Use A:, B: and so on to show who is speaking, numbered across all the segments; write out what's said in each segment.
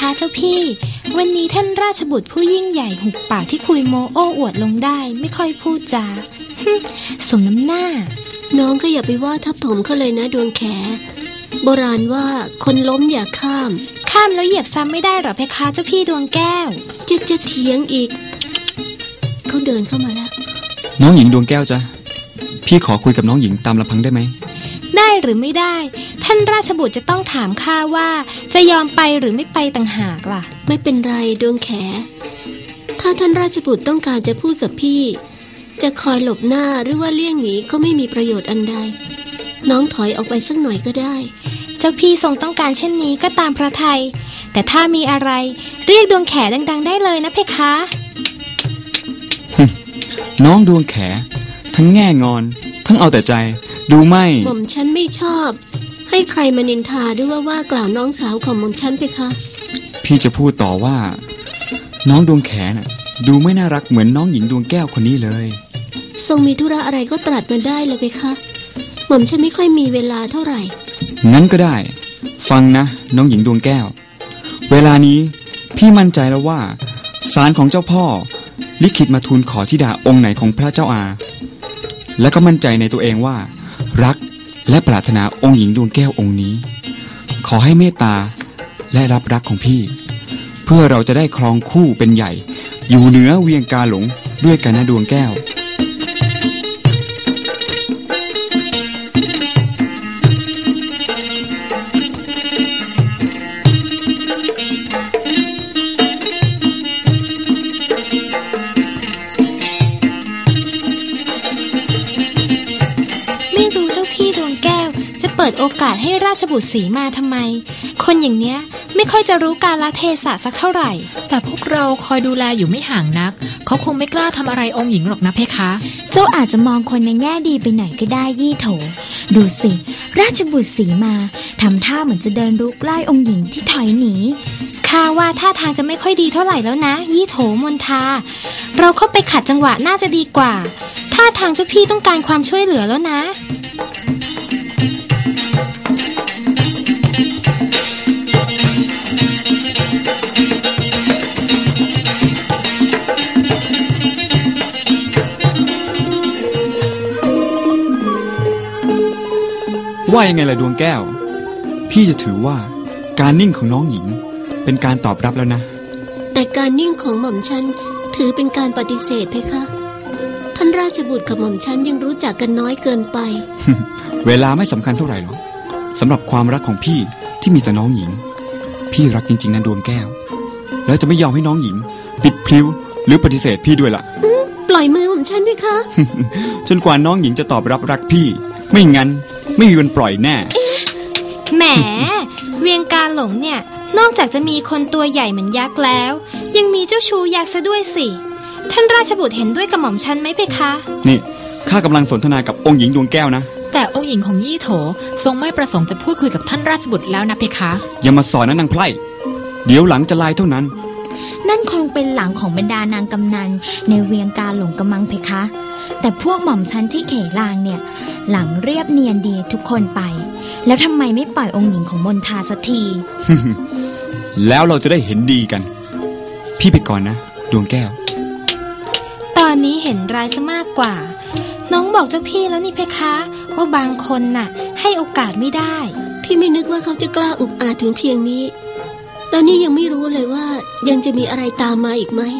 A: คะเจ้าพี่วันนี้ท่านราชบุตรผู้ยิ่งใหญ่หุบปากที่คุยโมโอ้อวดลงได้ไม่ค่อยพูดจาสมน้ำหน้า
B: น้องก็อย่าไปว่าทับถมเขาเลยนะดวงแขโบราณว่าคนล้มอย่าข้าม
A: แล้วเหยียบซ้ำไม่ได้หรอเพคะเจ้าพี่ดวงแก้ว
B: จะเถียงอีกเขาเดินเข้ามาแล้ว
C: น้องหญิงดวงแก้วจ๊ะพี่ขอคุยกับน้องหญิงตามลำพังได้ไหม
A: ได้หรือไม่ได้ท่านราชบุตรจะต้องถามข้าว่าจะยอมไปหรือไม่ไปต่างหากล่ะ
B: ไม่เป็นไรดวงแขถ้าท่านราชบุตรต้องการจะพูดกับพี่จะคอยหลบหน้าหรือว่าเลี่ยงหนีก็ไม่มีประโยชน์อันใดน้องถอยออกไปสักหน่อยก็ได้
A: เจ้าพี่ทรงต้องการเช่นนี้ก็ตามพระทัยแต่ถ้ามีอะไรเรียกดวงแขดังๆได้เลยนะเพคะ
C: น้องดวงแขทั้งแง่งอนทั้งเอาแต่ใจดูไม่
B: หม่อมฉันไม่ชอบให้ใครมานินทาหรือว่ากล่าวน้องสาวของหม่อมฉันเพคะ
C: พี่จะพูดต่อว่าน้องดวงแขน่ะดูไม่น่ารักเหมือนน้องหญิงดวงแก้วคนนี้เลย
B: ทรงมีธุระอะไรก็ตรัสมาได้เลยเพคะหม่อมฉันไม่ค่อยมีเวลาเท่าไหร่
C: งั้นก็ได้ฟังนะน้องหญิงดวงแก้วเวลานี้พี่มั่นใจแล้วว่าศาลของเจ้าพ่อลิขิตมาทูลขอธิดาองค์ไหนของพระเจ้าอาและก็มั่นใจในตัวเองว่ารักและปรารถนาองค์หญิงดวงแก้วองค์นี้ขอให้เมตตาและรับรักของพี่เพื่อเราจะได้ครองคู่เป็นใหญ่อยู่เหนือเวียงกาหลงด้วยกันนะดวงแก้ว
A: เปิดโอกาสให้ราชบุตรสีมาทำไมคนอย่างเนี้ยไม่ค่อยจะรู้กาลเทศะสักเท่าไหร่
D: แต่พวกเราคอยดูแลอยู่ไม่ห่างนักเขาคงไม่กล้าทำอะไรองค์หญิงหรอกนะเพคะ
E: เจ้าอาจจะมองคนในแง่ดีไปหน่อยก็ได้ยี่โถดูสิราชบุตรสีมาทำท่าเหมือนจะเดินรุกไล่องค์หญิงที่ถอยหนี
A: ข้าว่าท่าทางจะไม่ค่อยดีเท่าไหร่แล้วนะยี่โถมนทาเราเข้าไปขัดจังหวะน่าจะดีกว่าท่าทางเจ้าพี่ต้องการความช่วยเหลือแล้วนะ
C: ว่ายังไงล่ะดวงแก้วพี่จะถือว่าการนิ่งของน้องหญิงเป็นการตอบรับแล้วนะ
B: แต่การนิ่งของหม่อมฉันถือเป็นการปฏิเสธเพคะท่านราชบุตรกับหม่อมฉันยังรู้จักกันน้อยเกินไป
C: เวลาไม่สำคัญเท่าไหร่หรอกสำหรับความรักของพี่ที่มีแต่น้องหญิงพี่รักจริงๆนะดวงแก้วแล้วจะไม่ยอมให้น้องหญิงปิดพลิ้วหรือปฏิเสธพี่ด้วยล่ะ
B: ปล่อยมือหม่อมฉันด้วยคะ
C: จนกว่าน้องหญิงจะตอบรับรักพี่ไม่งั้นไม่มีวันปล่อยแน่
A: แหมเวียงกาหลงเนี่ยนอกจากจะมีคนตัวใหญ่เหมือนยักษ์แล้วยังมีเจ้าชู้ยักษ์ซะด้วยสิท่านราชบุตรเห็นด้วยกับหม่อมฉันไหมเพคะ
C: นี่ข้ากำลังสนทนากับองค์หญิงดวงแก้วนะ
D: แต่องค์หญิงของยี่โถทรงไม่ประสงค์จะพูดคุยกับท่านราชบุตรแล้วนะเพคะ
C: อย่ามาสอนนะนางไพร่เดี๋ยวหลังจะลายเท่านั้น
E: นั่นคงเป็นหลังของบรรดานางกำนันในเวียงกาหลงกำมังเพคะแต่พวกหม่อมชั้นที่เขลางเนี่ยหลังเรียบเนียนดีทุกคนไปแล้วทำไมไม่ปล่อยองค์หญิงของมนทาสักที
C: แล้วเราจะได้เห็นดีกันพี่ไปก่อนนะดวงแก้ว
A: ตอนนี้เห็นรายซะมากกว่าน้องบอกเจ้าพี่แล้วนี่เพคะว่าบางคนน่ะให้โอกาสไม่ได้
B: พี่ไม่นึกว่าเขาจะกล้าอุกอาจถึงเพียงนี้แล้วนี่ยังไม่รู้เลยว่ายังจะมีอะไรตามมาอีกไหม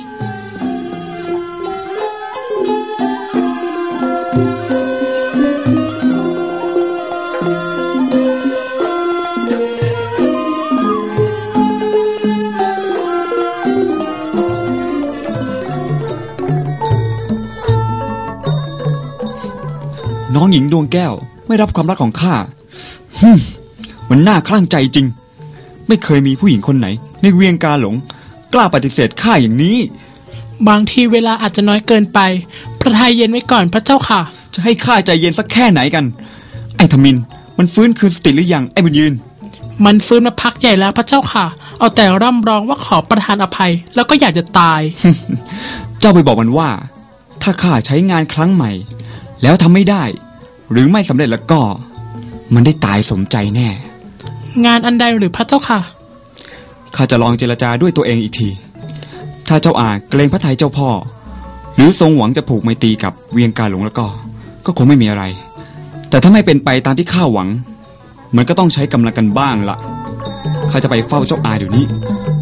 C: น้องหญิงดวงแก้วไม่รับความรักของข้ามันน่าคลั่งใจจริงไม่เคยมีผู้หญิงคนไหนในเวียงกาหลงกล้าปฏิเสธข้าอย่างนี้
F: บางทีเวลาอาจจะน้อยเกินไปพระทัยเย็นไว้ก่อนพระเจ้าค่ะ
C: จะให้ข้าใจเย็นสักแค่ไหนกันไอ้ธมินมันฟื้นคืนสติหรือยังไอ้บุญยืน
F: มันฟื้นมาพักใหญ่แล้วพระเจ้าค่ะเอาแต่ร่ำร้องว่าขอประทานอภัยแล้วก็อยากจะตาย
C: เจ้าไปบอกมันว่าถ้าข้าใช้งานครั้งใหม่แล้วทำไม่ได้หรือไม่สำเร็จแล้วก็มันได้ตายสมใจแน่
F: งานอันใดหรือพระเจ้าค่ะ
C: ข้าจะลองเจรจาด้วยตัวเองอีกทีถ้าเจ้าอาเกรงพระทัยเจ้าพ่อหรือทรงหวังจะผูกไมตรีกับเวียงกาหลงแล้วก็คงไม่มีอะไรแต่ถ้าไม่เป็นไปตามที่ข้าหวังมันก็ต้องใช้กำลังกันบ้างละข้าจะไปเฝ้าเจ้าอาเดี๋ยวนี้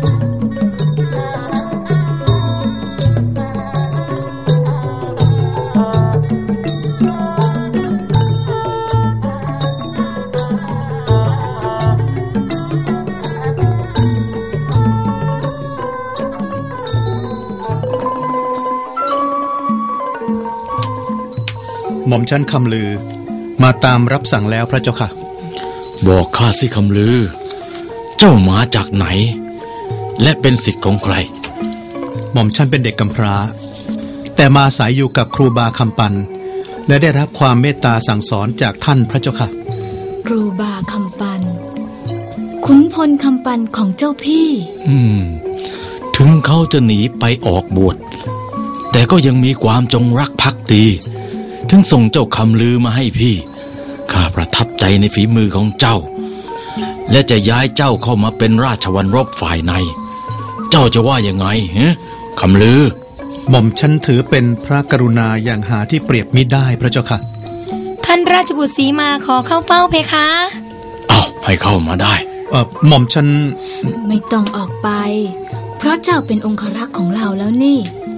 G: หม่อมชั้นคำลือมาตามรับสั่งแล้วพระเจ้าค่ะ
H: บอกข้าสิคำลือเจ้ามาจากไหนและเป็นศิษย์ของใคร
G: หม่อมชั้นเป็นเด็กกำพร้าแต่มาอาศัยอยู่กับครูบาคำปันและได้รับความเมตตาสั่งสอนจากท่านพระเจ้าค่ะ
I: ครูบาคำปันขุนพลคำปันของเจ้าพี่
H: ถึงเขาจะหนีไปออกบวชแต่ก็ยังมีความจงรักภักดีถึงส่งเจ้าคำลือมาให้พี่ข้าประทับใจในฝีมือของเจ้าและจะย้ายเจ้าเข้ามาเป็นราชวัณรบฝ่ายในเจ้าจะว่ายังไงคำลือ
G: หม่อมฉันถือเป็นพระกรุณาอย่างหาที่เปรียบมิได้พระเจ้าค่ะ
I: ท่านราชบุตรสีมาขอเข้าเฝ้าเพคะ
H: เอาให้เข้ามาได้
G: หม่อมฉัน
I: ไม่ต้องออกไปเพราะเจ้าเป็นองครักษ์ของเราแล้วนี่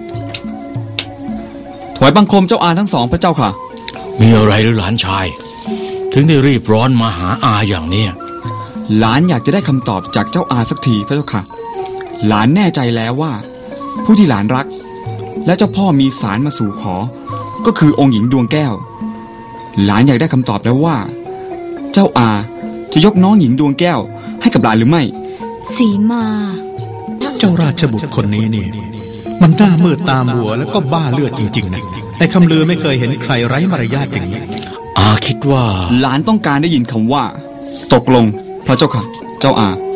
C: ถวายบังคมเจ้าอาทั้งสองพระเจ้าค่ะ
H: มีอะไรหรือหลานชายถึงได้รีบร้อนมาหาอาอย่างเนี้ย
C: หลานอยากจะได้คำตอบจากเจ้าอาสักทีพระเจ้าค่ะหลานแน่ใจแล้วว่าผู้ที่หลานรักและเจ้าพ่อมีสารมาสู่ขอก็คือองค์หญิงดวงแก้วหลานอยากได้คำตอบแล้วว่าเจ้าอาจะยกน้องหญิงดวงแก้วให้กับหลานหรือไม่
I: สีมา
G: เจ้าราชบุตรคนนี้นี่มันหน้ามืดตามัวแล้วก็บ้าเลือดจริงๆนะไอ้คำลือไม่เคยเห็นใครไร้มารยาทอย่างนี้
H: อาคิดว่า
C: หลานต้องการได้ยินคำว่าตกลงพระเจ้าค่ะเจ้าอา